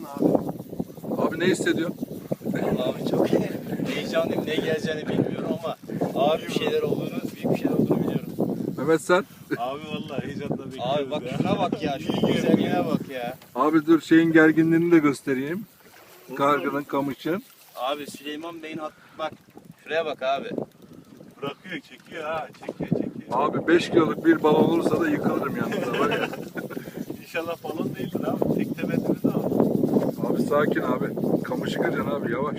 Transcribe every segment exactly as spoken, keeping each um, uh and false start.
abi? Abi ne hissediyorsun? Abi çok heyecanlıyım. Ne geleceğini bilmiyorum ama ağır bir şeyler olduğunu, büyük bir şeyler olduğunu biliyorum. Mehmet sen? Abi vallahi heyecanla bekliyoruz Abi bak ya. şuna bak ya. Şunun güzelliğine bak ya. Abi dur şeyin gerginliğini de göstereyim. Kargının, kamışın. Abi Süleyman Bey'in hat... Bak şuraya bak abi. Bırakıyor, çekiyor ha. Çekiyor, çekiyor. Abi beş kiloluk bir balon olursa da yıkılırım yanında var ya. İnşallah balon değildir abi. Tek temetimiz abi. Abi sakin abi. Kamışı kıracaksın abi yavaş.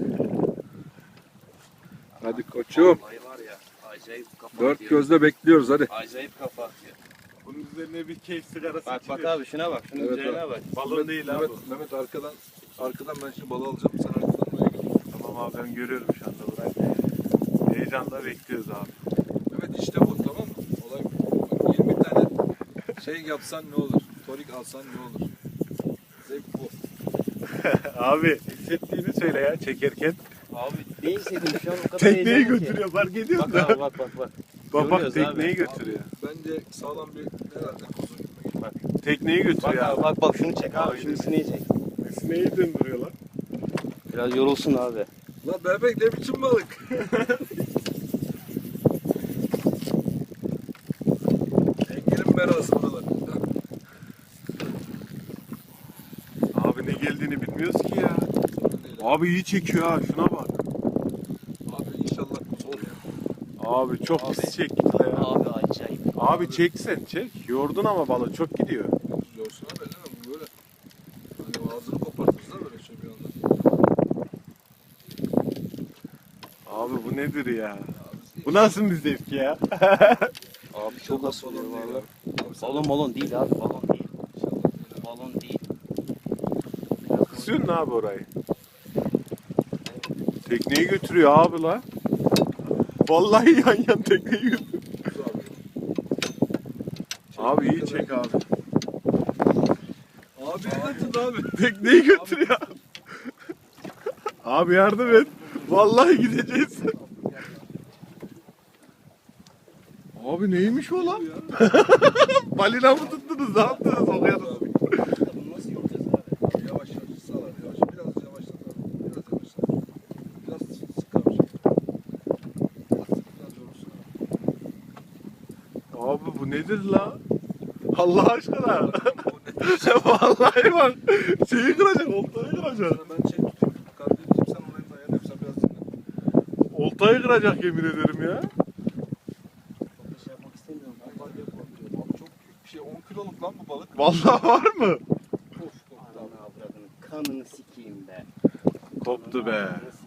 Hadi koçum. Vallahi var ya. Acayip kafa Dört atıyor. gözle bekliyoruz hadi. Acayip kafa atıyor. Bunun üzerine bir keyif sigarası Bak bak içiliyor. abi şuna bak. Şunun Evet, güzelliğine abi. bak. Balon değil abi. Mehmet, Mehmet arkadan arkadan ben şimdi balı alacağım. Sen arkadan oraya git. Tamam abi ben görüyorum şu anda burayı. Heyecanla bekliyoruz abi. Mehmet işte bu tamam mı? Olay bu. Bak, yirmi tane şey yapsan ne olur? Torik alsan ne olur? Zevk bu. Abi hissettiğini söyle ya çekerken. Abi ne hissettim şu an o kadar Tekneyi heyecanlı ki. götürüyor fark ediyor Bak musun? abi bak bak bak. Bak bak Görüyoruz tekneyi abi. götürüyor. Bence sağlam bir herhalde kuzu gibi. Bak, Tekneyi bak götürüyor abi abi. bak bak şunu çek abi. Abi. Şunu sineği çek. Sineği döndürüyor lan. Biraz yorulsun abi. Lan bebek ne biçim balık? Engelin berası buralar. Abi ne geldiğini bilmiyoruz ki ya. Abi iyi çekiyor ha şuna bak. Abi inşallah kuzu olur ya. Abi çok Abi. pis çekti ya. Abi acayip. Abi çeksen çek. Yordun ama balık çok gidiyor. Yorsun abi elleme bu böyle. Hani ağzını kopartırız da böyle şey bir anda. Abi bu nedir ya? Bu nasıl bir zevk ya? Abi çok asılıyor balon değil valla. abi. Abi sen- Balon balon değil abi balon değil. İnşallah. Balon değil. Kısıyorsun ne abi orayı? Tekneyi götürüyor abi la. Vallahi yan yan tekneyi götürüyor. Kuzu abi. Abi iyi çek abi. Abi ne tut abi? Tekneyi götürüyor. Abi yardım et. Vallahi gideceğiz. Abi neymiş o lan? Balina mı tuttunuz? Ne yaptınız? Okuyalım. Bunu nasıl yoracağız abi? Abi yavaş yavaş sağlar yavaş. Biraz yavaşlat abi. Biraz yavaşlat. Biraz sık abi. Biraz yorulsun abi. Abi bu nedir la? Allah aşkına. Vallahi bak. Şeyi kıracak, oltayı kıracak. Sana ben şey tutayım. Kargıyı tutayım sen orayı dayan yap. Sen biraz dinle. Oltayı kıracak yemin ederim ya. Çok da şey yapmak istemiyorum. Vallahi yapma. Abi çok büyük bir şey. on kiloluk lan bu balık. Vallahi var mı? Of koptu abi. Ananı avradını kanını sikeyim be. Koptu be. Kanını